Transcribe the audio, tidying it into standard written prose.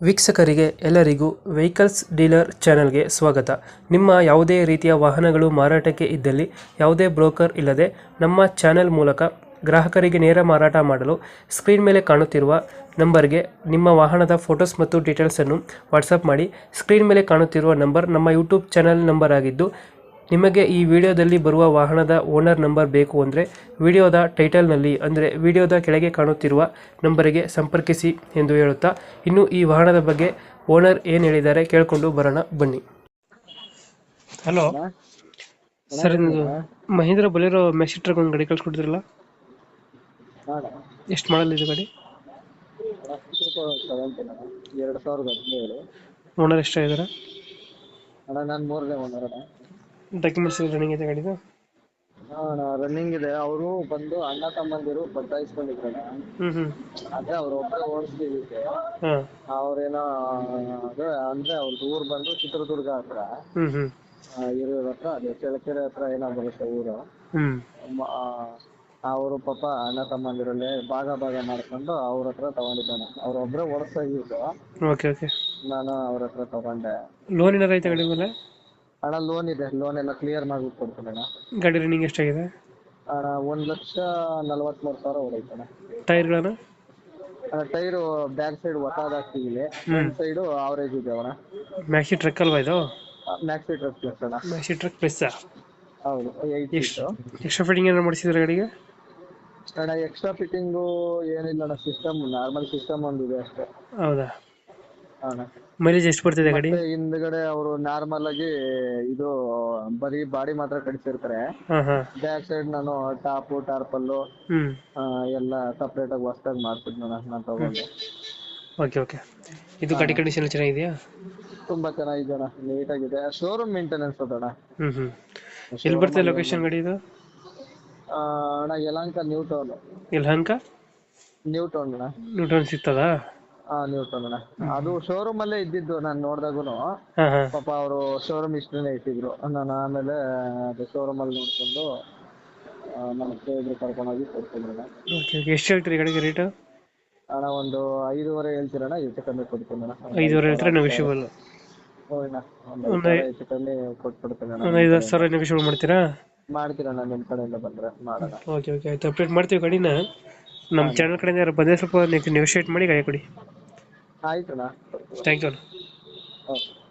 ವೀಕ್ಷಕರಿಗೆ ಎಲ್ಲರಿಗೂ vehicles dealer ಚಾನೆಲ್ಗೆ ಸ್ವಾಗತ. ನಿಮ್ಮ ಯಾವುದೇ ರೀತಿಯ ವಾಹನಗಳು ಮಾರಾಟಕ್ಕೆ ಇದ್ದಲ್ಲಿ ಯಾವುದೇ ಬ್ರೋಕರ್ ಇಲ್ಲದೆ ನಮ್ಮ ಚಾನೆಲ್ ಮೂಲಕ ಗ್ರಾಹಕರಿಗೆ ನೇರ ಮಾರಾಟ ಮಾಡಲು ಸ್ಕ್ರೀನ್ ಮೇಲೆ ಕಾಣುತ್ತಿರುವ ನಂಬರ್ಗೆ ನಿಮ್ಮ ವಾಹನದ ಫೋಟೋಸ್ ಮತ್ತು ಡೀಟೇಲ್ಸನ್ನು ವಾಟ್ಸಪ್ ಮಾಡಿ. ಸ್ಕ್ರೀನ್ ಮೇಲೆ ಕಾಣುತ್ತಿರುವ ನಂಬರ್ ನಮ್ಮ ಯೂಟ್ಯೂಬ್ ಚಾನೆಲ್ ನಂಬರ್ ಆಗಿದ್ದು, ನಿಮಗೆ ಈ ವಿಡಿಯೋದಲ್ಲಿ ಬರುವ ವಾಹನದ ಓನರ್ ನಂಬರ್ ಬೇಕು ಅಂದರೆ ವಿಡಿಯೋದ ಟೈಟಲ್ನಲ್ಲಿ ಅಂದರೆ ವಿಡಿಯೋದ ಕೆಳಗೆ ಕಾಣುತ್ತಿರುವ ನಂಬರಿಗೆ ಸಂಪರ್ಕಿಸಿ ಎಂದು ಹೇಳುತ್ತಾ, ಇನ್ನು ಈ ವಾಹನದ ಬಗ್ಗೆ ಓನರ್ ಏನು ಹೇಳಿದ್ದಾರೆ ಕೇಳಿಕೊಂಡು ಬರೋಣ ಬನ್ನಿ. ಹಲೋ ಸರ್, ನಿಮ್ಮದು ಮಹೀಂದ್ರ ಬೊಲೆರೋ ಮ್ಯಾಕ್ಸಿ ಟ್ರಕ್ ಒಂದು ಗಾಡಿ ಕಳ್ಸಿಕೊಡ್ತಿರಲ್ಲ, ಎಷ್ಟು ಮಾಡಲ್ ಇದೆ ಗಾಡಿ? 2017 ಓನರ್ ಎಷ್ಟಾಗಿದ್ದಾರೆ? ಅಣ್ಣ ನಾನು ಮೂರನೇ ಓನರ್ ಅಣ್ಣ. ಡಾಕ್ಯುಮೆಂಟ್ಸ್ ರನ್ನಿಂಗ್ ಇದೆ ಗಾಡಿದು? ಅಣ್ಣ ರನ್ನಿಂಗ್ ಇದೆ. ಅವರು ಬಂದು ಅಣ್ಣ ತಮ್ಮಂದಿರು ಬದಲಾಯಿಸ್ಕೊಂಡಿದ್ರಣ್ಣ. ಅದೇ ಅವ್ರು ಒಬ್ಬರೇ ಓಡಿಸ್ತಿದ್ದಕ್ಕೆ ಹಾಂ. ಅವ್ರೇನೋ ಅದೇ ಅಂದ್ರೆ ಅವ್ರದ್ದು ಊರು ಬಂದು ಚಿತ್ರದುರ್ಗ ಹತ್ರ, ಹಿರಿಯೂರ್ ಹತ್ರ, ಅದೇ ಚಳ್ಳಕೆರೆ ಹತ್ರ ಏನೋ ಬರುತ್ತೆ ಊರು. ಅವರು ಪಾಪ ಅಣ್ಣ ತಮ್ಮಂದಿರಲ್ಲೇ ಭಾಗ ಮಾಡ್ಕೊಂಡು ಅವ್ರ ಹತ್ರ ತಗೊಂಡಿದ್ದಾನೆ. ಅವ್ರ ಒಬ್ಬರೇ ಓಡಿಸ್ತಾ ಇದ್ದು, ಓಕೆ ಓಕೆ. ನಾನು ಅವ್ರ ಹತ್ರ ತಗೊಂಡೆ. ಲೋನ್ ಏನಾರ ಐತೆ ಗಾಡಿ ಮೇಲೆ? ಅಣ್ಣ ಲೋನ್ ಇದೆ, ಲೋನ್ ಎಲ್ಲ ಕ್ಲಿಯರ್ ಮಾಡ್ಬಿಟ್ಟು ಕೊಡ್ತೀನಿ ಅಣ್ಣ. ಗಾಡಿ ರನ್ನಿಂಗ್ ಎಷ್ಟಾಗಿದೆ? ಅಣ್ಣ 1,43,000 ಹೊಡೈತಣ್ಣ. ಟೈರ್ಗಳನ್ನ? ಅಣ್ಣ ಟೈರು ಬ್ಯಾಕ್ ಸೈಡ್ ಹೊಸದಾಗ್ತಿದೆ, ಫ್ರಂಟ್ ಸೈಡು ಅವರೇಜ್ ಇದೆ ಅಣ್ಣ. ಮ್ಯಾಕ್ಸಿ ಟ್ರಕ್ ಅಲ್ವಾ ಇದು? ಮ್ಯಾಕ್ಸಿ ಟ್ರಕ್ ಪ್ಲಸ್ ಅಣ್ಣ. Maxi truck plus? ಹೌದು, 8 ಎಕ್ಸ್ಟ್ರಾ ಫಿಟ್ಟಿಂಗ್ ಏನಾರು ಮಾಡಿಸಿದ್ರೆ ಗಾಡಿಗೆ? ಅಣ್ಣ ಎಕ್ಸ್ಟ್ರಾ ಫಿಟ್ಟಿಂಗು ಏನಿಲ್ಲ ಅಣ್ಣ, ಸಿಸ್ಟಮ್ ನಾರ್ಮಲ್ ಸಿಸ್ಟಮ್ ಒಂದಿದೆ ಅಷ್ಟೇ. ಹೌದಾ? ಅಣ್ಣ ಮೈಲೇಜ್ ಎಷ್ಟು ಬರ್ತಿದೆ ಗಾಡಿ? ಮತ್ತೆ ಹಿಂದ್ಗಡೆ ಅವರು ನಾರ್ಮಲ್ ಆಗಿ ಇದು ಬರೀ ಬಾಡಿ ಮಾತ್ರ ಕಡಿಸಿರ್ತಾರೆ. ಬ್ಯಾಕ್ ಸೈಡ್ ನಾನು ಟಾಪು ಟಾರ್ಪಲ್ಲು ಎಲ್ಲ ಸಪ್ರೇಟ್ ಆಗಿ ಹೊಸದಾಗಿ ಮಾಡ್ತಿದ್ನ ನಾನು ತಗೊಂಡು. Okay okay. ಇದು ಗಾಡಿ ಕಂಡೀಷನ್ ಚೆನ್ನಾಗಿದೆಯಾ? ತುಂಬಾ ಚೆನ್ನಾಗಿದೆ ಅಣ್ಣ, ನೀಟಾಗಿದೆ. Showroom maintenance ಅದಣ್ಣ. ಎಲ್ಲಿ ಬರ್ತದೆ ಲೊಕೇಶನ್ ಗಾಡಿ ಇದು? ಅಣ್ಣ Yelahanka new town. Yelahanka new town ಅಣ್ಣ. ನ್ಯೂ ಟೌನ್ ಸಿಗ್ತದಾ? ನ್ಯೂ ಟೌನ್ ಅಣ್ಣ. ಅದು ಶೋರೂಮ್ ಅಲ್ಲೇ ಇದ್ದಿದ್ದು ನಾನು ನೋಡ್ದಾಗುನು. ಪಾಪ ಅವರು ಶೋರೂಮ್ ಇಷ್ಟನೇ ಇಟ್ಟಿದ್ರು. ನಾನು ಆಮೇಲೆ ಅದು ಶೋರೂಮ್ ಅಲ್ಲಿ ನೋಡ್ಕೊಂಡು ನಮ್ಮ ಸ್ನೇಹಿತರು ಕರ್ಕೊಂಡೋಗಿ ಕೊಡ್ತೀನಿ ಅಣ್ಣ. ಎಷ್ಟು ಹೇಳ್ತೀರಿ ಗಾಡಿಗೆ ರೇಟ್? ಅಣ್ಣ ಒಂದು 5.5 ಹೇಳ್ತೀರಣ್ಣ, ಹೆಚ್ಚು ಕಮ್ಮಿ ಕೊಡ್ತೀನಿ ಅಣ್ಣ. 5.5 ಹೇಳ್ತಾರೆ ನೆಗೋಷಿಯಬಲ್? ಹೋಯ್ನ ಒಂದು ಹೆಚ್ಚು ಕಮ್ಮಿ ಕೊಟ್ಬಿಡ್ತೀನಿ ಅಣ್ಣ. ಒಂದು 5,000 ನೆಗೋಷಿಯಬಲ್ ಮಾಡ್ತೀರಾ? ಮಾಡ್ತೀರಣ್ಣ, ನಿಮ್ಮ ಕಡೆಯಿಂದ ಬಂದ್ರೆ ಮಾಡೋಣ. ಓಕೆ ಓಕೆ ಆಯ್ತು, ಅಪ್ಡೇಟ್ ಮಾಡ್ತೀವಿ ಗಾಡಿನ. ನಮ್ಮ ಚಾನಲ್ ಕಡೆಯಿಂದ ಯಾರು ಬಂದರೆ ಸ್ವಲ್ಪ ನೆಗೋಷಿಯೇಟ್ ಮಾಡಿ ಗಾಡಿ ಕೊಡಿ. ಆಯ್ತಣ್ಣ. Thank you. ಓಕೆ.